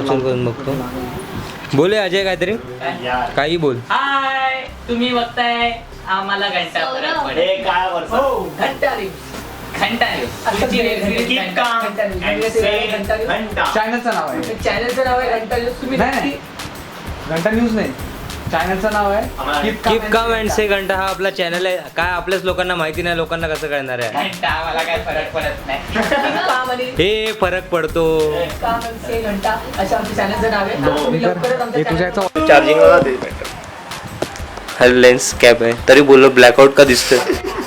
Capture करून बघतो. बोले अजय काहीतरी काही बोल. हाय, तुम्ही बघताय आम्हाला घंटा चॅनलचं नाव आहे. चॅनलचं नाव आहे घंटा न्यूज. तुम्ही घंटा न्यूज नाही, चॅनलचं नाव आहे कीप काम अँड से घंटा. हा आपला चॅनल आहे. काय आपल्याच लोकांना माहिती नाही, लोकांना कसं कळणार आहे? घंटा आम्हाला काय फरक पडत नाही. हे फरक पडतो. घंटा असं आमच्या चॅनलचं नाव आहे. तुम्ही लवकरच आमच्या तुझ्या चार्जिंगला हॅलो लेन्स कॅप आहे तरी बोललो ब्लॅकआउट का दिसतोय?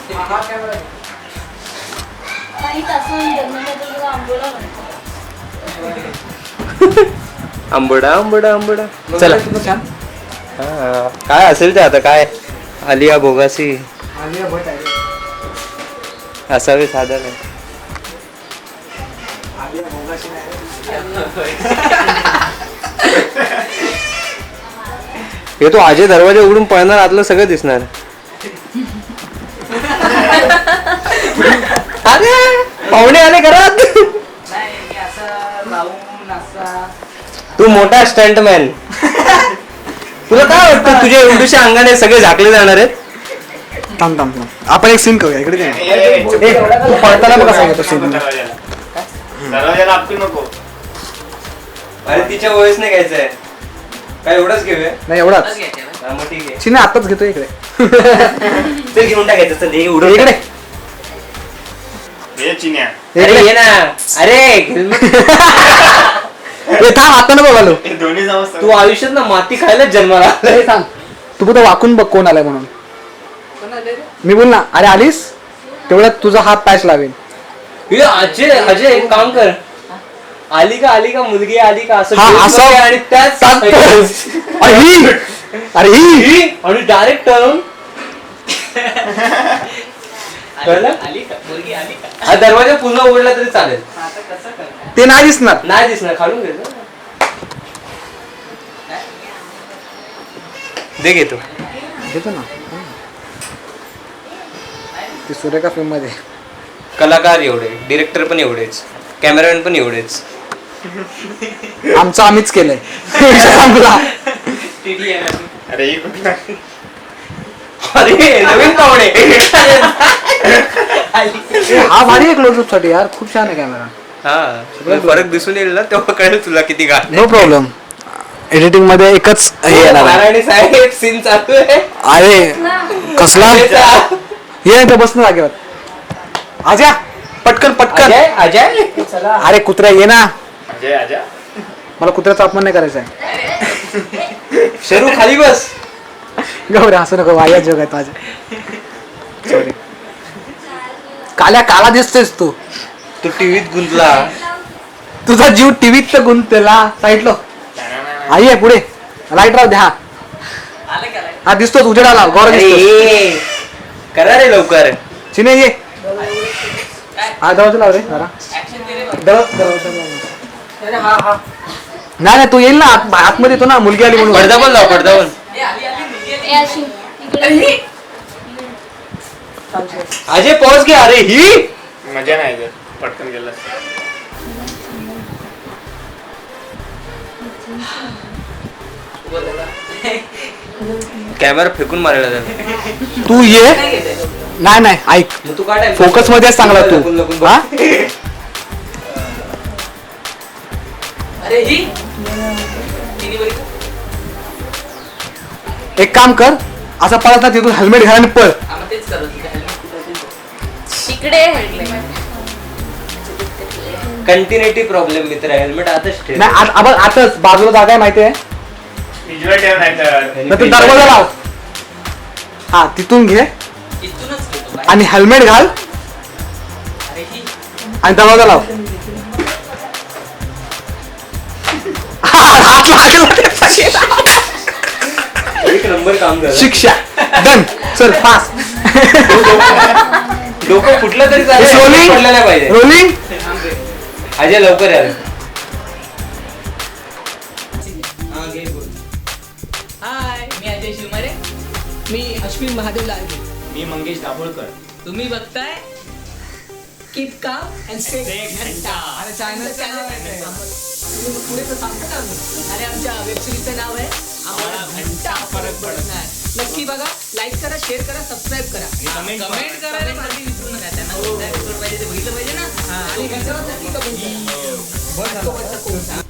आंबोडा आंबोडा आंबोडा. चला छान. हा, काय असेल ते आता. काय आलिया भोगासी आलिया भट आहे. असावे साधन आहे. आलिया भोगाशी नाही. हे तो अजय दरवाजा उघडून पळणार, आतलं सगळं दिसणार. अरे पाहुणे आले घरात. तू मोठा स्टंटमॅन. तुला काय वाटतं तुझ्या एवढ्याशा अंगाने सगळे झाकले जाणार आहेत? थांब थांब थांब, आपण एक सीन करूया. इकडे तू पळताना बघ कसा येतो सीन. दरवाजाला आपली नको. अरे तिच्या वयस नाही घ्यायचंय. काय एवढंच घेऊया? नाही एवढाच. हा, मग ठीक आहे. चिन्ह आताच घेतो इकडे. ते घेऊन टाकायचं. चल हे उडव इकडे हे चिन्या. अरे ये ना. अरे ए थांब, आता नको घालू. हे दोन्ही समजतात. तू आयुष्यात ना माती खायलाच जन्माला आलाय. ए थांब, तू कुठं वाकून बघ कोण आलाय म्हणून. मी बोल ना. अरे आलीस तेवढ्यात तुझा हात पॅच लावेल. हे अजय अजय एक काम कर. आली का मुलगी आली का असं हा, बोल असं मध्ये आणि त्याच अरे ही, अरे ही. आणि डायरेक्ट टर्न. कळलं? हा दरवाजा पुन्हा उघडला तरी चालेल. ते नाही दिसणार. नाही दिसणार. खालून घे. दे घेतो. घेतो ना. ते सुरेखा फिल्म मध्ये कलाकार एवढे, डिरेक्टर पण एवढेच, कॅमेरामॅन पण एवढेच. आमचं आम्हीच केलंय. संपला. अरे ही कुठला? अरे नवीन पाहुणे. हा भारी आहे क्लोजअप साठी यार. खूप छान आहे कॅमेरा. हा फरक दिसून येईल ना तेव्हा कळेल तुला किती गाठ. No problem. एडिटिंग मध्ये एकच हे येणार आहे. नारायणी साहेब सीन चालू आहे. अरे कसला ये इथे बस ना जागेवर. आजा पटकन पटकन. अजय अरे कुत्र्या ये ना. अजय आजा. मला कुत्र्याचा अपमान नाही करायचा आहे. शरू खाली बस. गौरे हसू नको. वाया जोग आहे माझ्या. सॉरी. काल्या काला दिसतोयस तू. तू टीव्हीत गुंतला. तुझा जीव टीव्हीत तर गुंतला. साईडलो आई आहे पुढे. लाईट राहू द्या. हा दिसतोच उजेडाला. गौरव दिसतो. करा रे लवकर. चिने ये. हा दरवाजा लाव रे जरा. दरवाजा लाव. नाही तू येईल ना आतमध्ये येतो ना. मुलगी आली म्हणून. पडदा पण लाव. पडदा पण. अजय पॉज घे. अरे ही मजा नाही जर पटकन गेला. कॅमेरा फेकून मारायला जाणार. तू ये. नाही ऐक. तू काय फोकस मध्ये चांगला तू. हा एक काम कर. असं पळत ना तिथून हेल्मेट घाल आणि पळ. कंटिन्युटी प्रॉब्लेम मित्र. हेल्मेट आताच ठेव. नाही आताच बाजूला जागा आहे माहितीये. उजव्या ठेव नाही तर. तू दरवाजा लाव. हा तिथून घे आणि हेल्मेट घाल आणि दरवाजा लाव. हात लागला. एक नंबर काम कर. शिक्षा डन. चल फास्ट. डोकं फुटलं तरी चालेल. रोलिंग पडलं नाही पाहिजे. रोलिंग. अजय लवकर या. हाय, मी अजय शिवमारे. मी अश्विन महादेव लालगे. मी मंगेश दाभोळकर. तुम्ही बघताय कीप काम अँड से घंटा. चॅनलचं नाव आहे. तुम्ही पुढे तर सांगता का मी? आणि आमच्या वेबसिरीजचं नाव आहे आम्हाला घंटा फरक पडत नाही. नक्की बघा, लाईक करा, शेअर करा, सबस्क्राईब करा. कमेंट करायला माझी विसरू नका. त्यांना कोणता episode पाहिजे ते बघितलं पाहिजे ना. आणि ह्याच्यावर नक्की कमेंट करा. बस झालं.